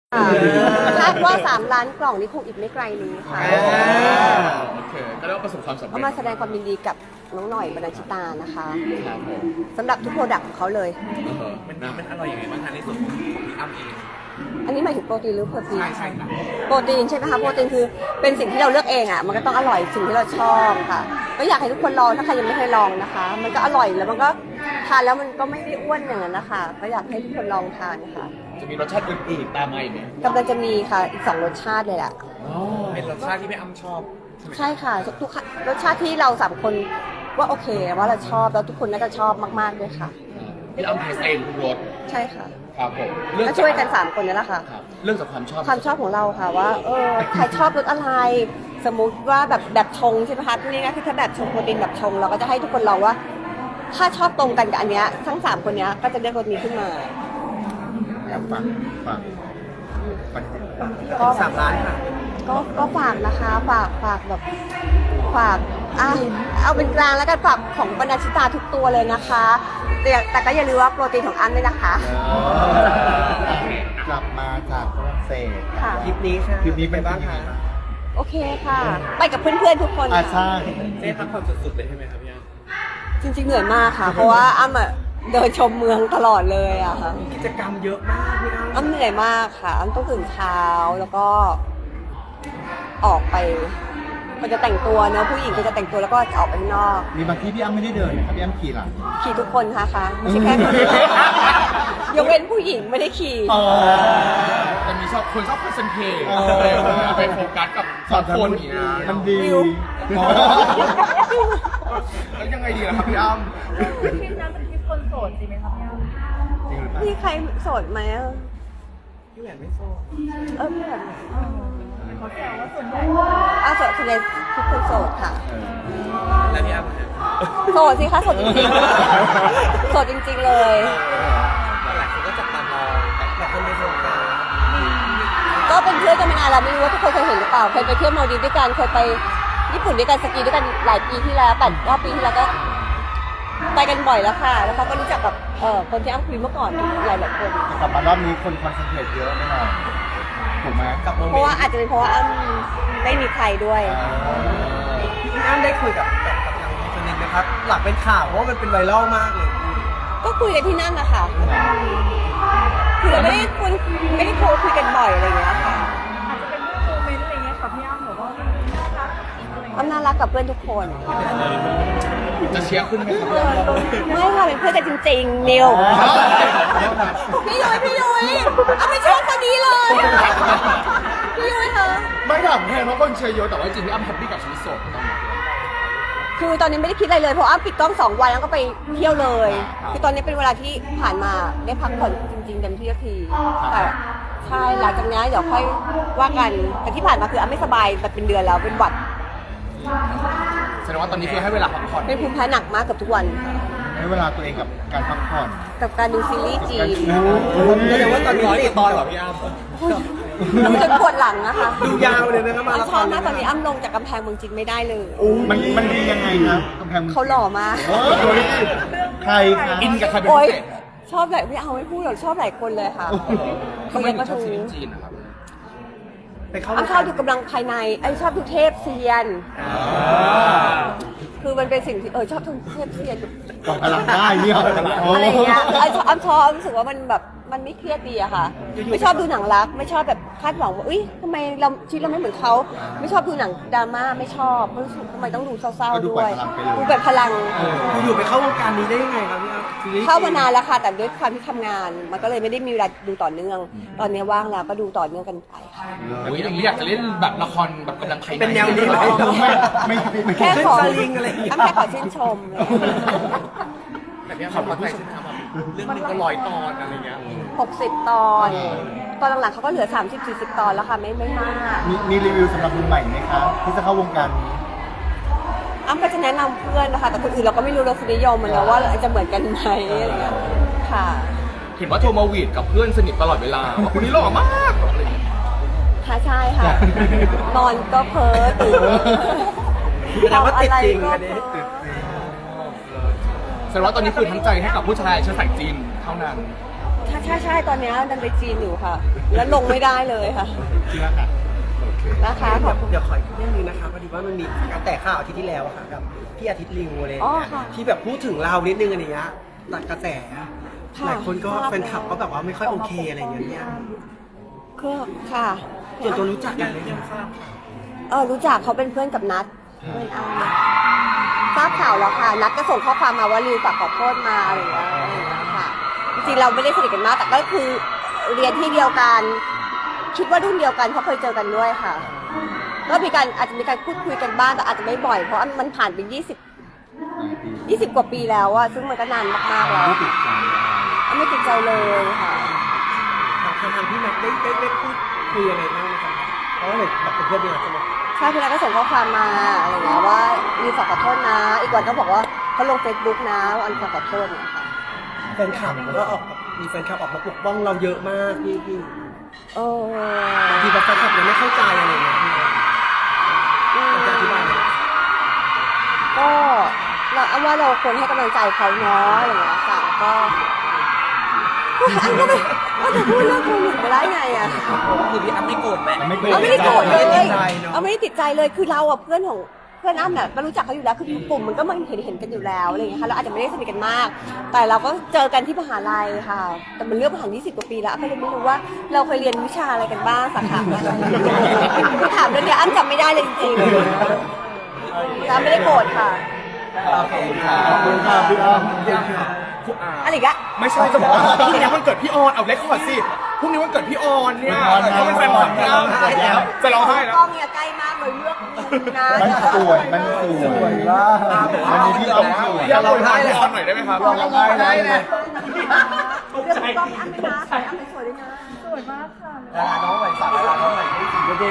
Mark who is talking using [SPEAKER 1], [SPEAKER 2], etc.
[SPEAKER 1] คาดว่า3 ล้านกล่องนี้คงอีกไม่ไกลนี้ค่ะ
[SPEAKER 2] โอเคก็เรียกว่าประสบความสำเร็จ
[SPEAKER 1] ก็มาแสดงความยินดีกับน้องหน่อยบรรณชิตานะคะ
[SPEAKER 2] ครับผม
[SPEAKER 1] สำหรับทุกโปรดักต์ของเขาเลย
[SPEAKER 3] มันอร่อยยังไงบ้างคะในส่วนของพี่อ้ำเอง
[SPEAKER 1] อันนี้หมายถึงโปรตีนหรือเพอร์ตีน
[SPEAKER 3] ใช่ค่ะ
[SPEAKER 1] โปรตีนใช่ไหมคะโปรตีนคือเป็นสิ่งที่เราเลือกเองอ่ะมันก็ต้องอร่อยสิ่งที่เราชอบค่ะก็อยากให้ทุกคนลองถ้าใครยังไม่เคยลองนะคะ มันก็อร่อยแล้วมันก็ทานแล้วมันก็ไม่ได้อ้วนอย่างนั้นนะคะก็อยากให้ทุกคนลองทานค่ะ
[SPEAKER 2] จะมีรสชาติอื่นๆตามมาอีกไหม
[SPEAKER 1] กำลังจะมีค่ะอีก2 รสชาติเลยแหละ
[SPEAKER 3] เป็นรสชาติที่พี่อ้ำชอบ
[SPEAKER 1] ใช่ค่ะทุกรสชาติที่เรา3 คนว่าโอเคว่าเราชอบแล้วทุกคนน่าจะชอบมากๆด้วยค่ะ
[SPEAKER 2] พี่อ้ำเทสเองทุกรส
[SPEAKER 1] ใช่ค่ะ
[SPEAKER 2] ครับผม
[SPEAKER 1] ก็ช่วยกัน3 คนนี่แหละค่ะ
[SPEAKER 2] ครับเรื่องจากความชอบ
[SPEAKER 1] ความชอบของเราค่ะว่าใครชอบรสอะไร สมมุติว่าแบบชงใช่ไหมคะที่นี่ก็คือถ้าแบบชงโปรตีนแบบชงเราก็จะให้ทุกคนลองว่า ถ้าชอบตรงกันกับอันเนี้ยทั้ง3 คนเนี้ยก็จะเลือกรสนี้ขึ้นมา
[SPEAKER 2] ฝาก
[SPEAKER 1] ก็
[SPEAKER 3] 3 ล้านค่ะ
[SPEAKER 1] ก็ฝากนะคะฝากแบบฝากเอาเป็นกลางแล้วกันฝากของบรรณชิตาทุกตัวเลยนะคะแต่ก็อย่าลืมว่าโปรตีนของอันด้วยนะคะ
[SPEAKER 4] กลับมาจากฝรั่งเศส
[SPEAKER 1] ค่ะ
[SPEAKER 3] คลิปนี้ค่ะ
[SPEAKER 4] คลิปนี้เป็น
[SPEAKER 3] บ้างคะ
[SPEAKER 1] โอเคค่ะ ไปกับเพื่อนๆทุกคน
[SPEAKER 4] อา
[SPEAKER 1] ค่ะ
[SPEAKER 4] ใช่
[SPEAKER 3] ได้พักผ่อนสุดๆเลยใช่ไหมครับพี่อ้ำ
[SPEAKER 1] จริงๆเหนื่อยมากค่ะ เพราะว่าอ้ำเดินชมเมืองตลอดเลยอะค่ะ
[SPEAKER 3] กิจกรรมเยอะมากพี่อ้ำ
[SPEAKER 1] อ้ำเหนื่อยมากค่ะอ้ำต้องตื่นเช้าแล้วก็ออกไปมันจะแต่งตัวเนอะผู้หญิงก็จะแต่งตัวแล้วก็จะออกไปข้างนอก
[SPEAKER 4] มีบางที่พี่อ้ำไม่ได้เดินนะครับพี่อ้ำขี่หลัง
[SPEAKER 1] ขี่ทุกคนค่ะไม่ใช่แค่คนเดียวยกเว้นผู้หญิงไม่ได้ขี่
[SPEAKER 2] จะมีคนชอบคอนเซนเทรต
[SPEAKER 4] เออ
[SPEAKER 2] ไปโฟกัสกับสองคนอย่างเงี้ย
[SPEAKER 4] มันดี
[SPEAKER 1] วิว
[SPEAKER 4] อ๋อ
[SPEAKER 2] แล้วยังไงดีล่ะครับพี่อ้ำ
[SPEAKER 5] คลิปนั้นเป็นคลิปคนโสดจริงไหมคะพี่อ้ำ
[SPEAKER 4] จริงหรือเปล่า
[SPEAKER 1] พี่ใครโสดไหมอะ
[SPEAKER 3] พี่แหวนไม่โซ่
[SPEAKER 1] พี่แบบ
[SPEAKER 5] เขาแซวว่าส่วนใหญ่
[SPEAKER 1] โสดส่วนใหญ่ทุกคนโสดค่ะ
[SPEAKER 3] แล้วพี่อ้ำเนี่ย
[SPEAKER 1] โสดสิคะโสดจริงๆโสดจริงๆเลย
[SPEAKER 3] หลายคนก็จับตามองแต่คนไม่โฟกัส
[SPEAKER 1] ก็เป็นเพื่อนกันมานานแล้วไม่รู้ว่าทุกคนเคยเห็นหรือเปล่าเคยไปเที่ยวมาลดีฟด้วยกันเคยไปญี่ปุ่นด้วยกันสกีด้วยกันหลายปีที่แล้ว8-9 ปีที่แล้วก็ไปกันบ่อยแล้วค่ะ แล้วเขาก็รู้จักกับคนที่อ้ำคุยเมื่อก่อนหลายๆคน
[SPEAKER 4] แต่กลับมารอบนี้คนคอนเซนเทรตเยอะแน่นอนถูกไหม
[SPEAKER 3] กับโม
[SPEAKER 1] เพ
[SPEAKER 3] เม
[SPEAKER 1] ราะ
[SPEAKER 3] น
[SPEAKER 1] ว่า
[SPEAKER 3] ต์
[SPEAKER 1] อาจจะเป็นเพราะว่าอ้ำไม่มีใครด้วย
[SPEAKER 3] พี่อ้ำได้คุยกับทางคนนึงนะครับ หลักเป็นข่าวเพราะว่ามันเป็นไวรัลมากเลย
[SPEAKER 1] ก็คุยกันที่นั่นนะคะคือเราไม่ได้โทรคุยกันบ่อยอะไรอย่างเงี้ยค่ะ
[SPEAKER 5] อาจจะเป็นโมเมนต์อะไรเงี้ยค่ะพี่อ้ำหรือว่าน่ารักอะไรเงี้ย
[SPEAKER 1] อ้ำน่ารักกับเพื่อนทุกคน
[SPEAKER 2] จะเชียร์ขึ้นไหมครับ
[SPEAKER 1] ไม่ค่ะเป็นเพื่อนกันจริงๆนิวพี่ยุ้ยอ้ำไม่ชอบคนนี้เลยพี่ยุ้ยคะ
[SPEAKER 2] ไม่ถามแทนเพราะคนเชียร์เยอะแต่ว่าจริงๆพี่อ้ำแฮปปี้กับชีวิตโสดตอนนี้
[SPEAKER 1] คือตอนนี้ไม่ได้คิดอะไรเลยเพราะอ้ำปิดกล้อง2 วันแล้วก็ไปเที่ยวเลย คือตอนนี้เป็นเวลาที่ผ่านมาได้พักผ่อนจริงๆเต็มที่สักทีแต่ใช่หลังจากนี้เดี๋ยวค่อยว่ากันแต่ที่ผ่านมาคืออ้ำไม่สบายแบบเป็นเดือนแล้วเป็นหวัด
[SPEAKER 2] แสดงว่าตอนนี้คือให้เวลาพักผ่อน
[SPEAKER 1] เป็นภูมิแพ้หนักมากเกับทุกวัน
[SPEAKER 4] ให้เวลาตัวเองกับการพักผ่อน
[SPEAKER 1] กับการดูซีรีส์จีน
[SPEAKER 3] แสดงว่าตอนนี้ติดตอนเหรอพี่อ้ำ
[SPEAKER 1] แล้วมันจนปวดหลังนะคะ
[SPEAKER 3] ดูยาวเลยนะครับมา
[SPEAKER 1] อ้ำชอบมากตอนนี้อ้ำลงจากกำแพงเมืองจีนไม่ได้เลย
[SPEAKER 4] มันดียังไงครับกำแพงมึง
[SPEAKER 1] เขาหล่อมาก
[SPEAKER 4] เฮ้ยใครคะ
[SPEAKER 2] อินกับใครเป็น
[SPEAKER 1] โอ๊
[SPEAKER 2] พิ
[SPEAKER 1] ย
[SPEAKER 2] เศษ
[SPEAKER 1] ชอบหลายไม่เอาไม่พูดหรอกชอบหลายคนเลยค่ะ
[SPEAKER 2] ทำไมถึงชอบซีรีส์จีนนะครับ
[SPEAKER 3] ไปเข้า
[SPEAKER 1] อ้ำชอบดูกำลังภายในชอบดูเทพเซียน คือมันเป็นสิ่งที่ชอบดูเทพเซียน
[SPEAKER 4] กองพลังได้เนี่ย
[SPEAKER 1] อะไรอย่างเงี้ยอ้ำชอบรู้สึกว่ามันแบบมันไม่เครียดดีอะค่ะ ไม่ชอบดูหนังรัก ไม่ชอบแบบคาดหวังว่าทำไมเราชีวิตเราไม่เหมือนเขาไม่ชอบดูหนังดราม่าไม่ชอบเพราะรู้สึกทำไมต้องดูเศร้าๆด้วยดูแบบพลัง
[SPEAKER 3] อยู่ไปเข้าวงการนี้ได้ยังไงครับพี่อ้ำซีรีส์
[SPEAKER 1] เข้ามานานแล้วค่ะแต่ด้วยความที่ทำงาน มันก็เลยไม่ได้มีเวลาดูต่อเนื่อง ตอนนี้ว่างแล้วก็ดูต่อเนื่องกันไปค่ะ
[SPEAKER 2] อุ้ยอย่างนี้อยากจะเล่นแบบละครแบบกำลังใคร
[SPEAKER 3] เป็นแนวนี้ไหม
[SPEAKER 4] ไม่
[SPEAKER 1] แค่ขอ
[SPEAKER 3] สลิงอะไรอย่างเงี้ย
[SPEAKER 1] อ้ำแค่ขอชื่นชมเลย
[SPEAKER 3] แต่พี่อ้ำขับรถไปใช่ไหมครับเรื่องนึงก็100 ตอนอะไรเงี้ย
[SPEAKER 1] 60 ตอน ตอนหลังๆเขาก็เหลือ 30-40 ตอนแล้วค่ะไม่มาก
[SPEAKER 4] มีรีวิวสำหรับมือใหม่ไหมครับที่จะเข้าวงการนี้
[SPEAKER 1] อ้ำก็จะแนะนำเพื่อนนะคะแต่คนอื่นเราก็ไม่รู้รสนิยมมันนะว่าจะเหมือนกันไหมอะไรเงี้ยค่ะ
[SPEAKER 2] เห็นว่าโทรมาหวีดกับเพื่อนสนิทตลอดเวลาว่าคนนี้หล่อมากอะไรอย่างเงี้ย
[SPEAKER 1] ค่ะใช่ค่ะ นอนก็เพ้อตื่น
[SPEAKER 3] แสดงว่าติดจริง
[SPEAKER 1] ทำอะ
[SPEAKER 3] อั
[SPEAKER 1] ไร
[SPEAKER 3] นนี้
[SPEAKER 1] ก็เพ้อ
[SPEAKER 2] แสดงว่าตอนนี้คือทั้งใจให้กับผู้ชายเชื้อสายจีนเท่านั้น
[SPEAKER 1] ใช่ใช่ตอนนี้ดันไปจีนอยู่ค่ะ แล้วลงไม่ได้เลยค่ะ
[SPEAKER 4] เชื่อค่ะ
[SPEAKER 1] นะคะขอบคุณ
[SPEAKER 3] เดี๋ยวขออีกเรื่องนึงนะคะพอดีว่ามันมีกระแสข่าวอาทิตย์ที่แล้วอะค่ะกับพี่อาทิตย์ลิวอะไรอย่าง
[SPEAKER 1] อ๋อ
[SPEAKER 3] เงี้ย
[SPEAKER 1] ค่ะ
[SPEAKER 3] ที่แบบพูดถึงเรานิดนึงอะไรเงี้ยตัดกระแส
[SPEAKER 1] ค่ะ
[SPEAKER 3] หลายคนก็แฟนคลับก็แบบว่าไม่ค่อยโอเคอะไรอย่างเงี้ย
[SPEAKER 1] ก็ค่ะ
[SPEAKER 3] ส่วนตัวรู้จักกันเลยยังทราบ
[SPEAKER 1] รู้จักเขาเป็นเพื่อนกับนัทเพื่อนอ้ำทราบข่าวแล้วค่ะ นัทก็ส่งข้อความมาว่าริวฝากขอโทษมาอะไรอย่างเงี้ยค่ะ จริงๆเราไม่ได้สนิทกันมาก แต่ก็คือเรียนที่เดียวกัน คิดว่ารุ่นเดียวกันเพราะเคยเจอกันด้วยค่ะ ก็มีการอาจจะมีการพูดคุยกันบ้างแต่อาจจะไม่บ่อยเพราะมันผ่านไป20 กว่าปีแล้วอะซึ่งมันก็นานมากๆแล้ว
[SPEAKER 4] ไม่ติดใจ
[SPEAKER 1] ไม่ติดใจเลยค่ะ
[SPEAKER 3] ทางพี่แม็กได้พูดคุยยังไงบ้างไหมครับเพราะว่าเห็นแบบเป็นเพื่อนเนี่ยใช่ไหม
[SPEAKER 1] ใช่พี่นัทก็ส่งข้อความมาอะไรอย่างเงี้ยว่ามีฝากขอโทษนะ อีกวันก็บอกว่าเขาลง Facebook นะว่าอันฝากขอโทษเนี่ยค่ะ
[SPEAKER 3] แฟนคลับก็ออกมีแฟนคลับออกมาปกป้องเราเยอะมากพี่ บางทีแบบแฟนคลับยังไม่เข้าใจอะไรอย่างเงี้ยเราจะอธิบายไหม
[SPEAKER 1] ก็เราเอาว่าเราควรให้กำลังใจเขาเนาะอะไรอย่างเงี้ยค่ะก็ก็จะพูดเรื่องโควิดมาได้ไงอะ
[SPEAKER 3] คือพี่อ้ำไม่โกรธแหละ
[SPEAKER 4] ไม่
[SPEAKER 1] เอาไม่ได้โกรธเลย
[SPEAKER 3] ไม่ได้ติดใจเนอะ
[SPEAKER 1] เอาไม่ได้ติดใจเลยคือเราอะเพื่อนของเพื่อนอ้ำเนี่ยก็รู้จักเขาอยู่แล้วคือกลุ่มมันก็มันเห็นกันอยู่แล้วอะไรอย่างเงี้ยค่ะเราอาจจะไม่ได้สนิทกันมาก แต่เราก็เจอกันที่มหาลัยค่ะ แต่มันเรื่องผ่าน20 กว่าปีแล้วก็เลยไม่รู้ว่าเราเคยเรียนวิชาอะไรกันบ้างสาขาอะไรคือถามเรื่องเนี้ยอ้ำจำไม่ได้เลยจริงๆอ้ำไม่ได้โกรธค่ะ
[SPEAKER 3] โอเคค่ะ
[SPEAKER 4] ขอบคุณค่ะพี่อ้ำ
[SPEAKER 1] อะไรอีกอะ
[SPEAKER 2] ไม่ใช่จะบอกว่าพรุ่งนี้วันเกิดพี่ออนเอาเลคคอร์ดสิพรุ่งนี้วันเกิดพี่ออนเนี่ยเขาเป็นแฟนคลับพี่อ้ำจะร้องไห้แล้ว
[SPEAKER 1] กล้องเนี่ยใกล้มากเลยเลือกนะ
[SPEAKER 4] มันสวย มันสวยมากวันนี้พี่อ้ำสวย
[SPEAKER 2] พี่อ้ำโวยพรพี่ออนหน่อยได้ไหมครับ
[SPEAKER 4] เราได้เลย
[SPEAKER 1] เลือกกล้องอ้ำเลยนะอ้ำสวยด้วยนะ
[SPEAKER 5] สวยมาก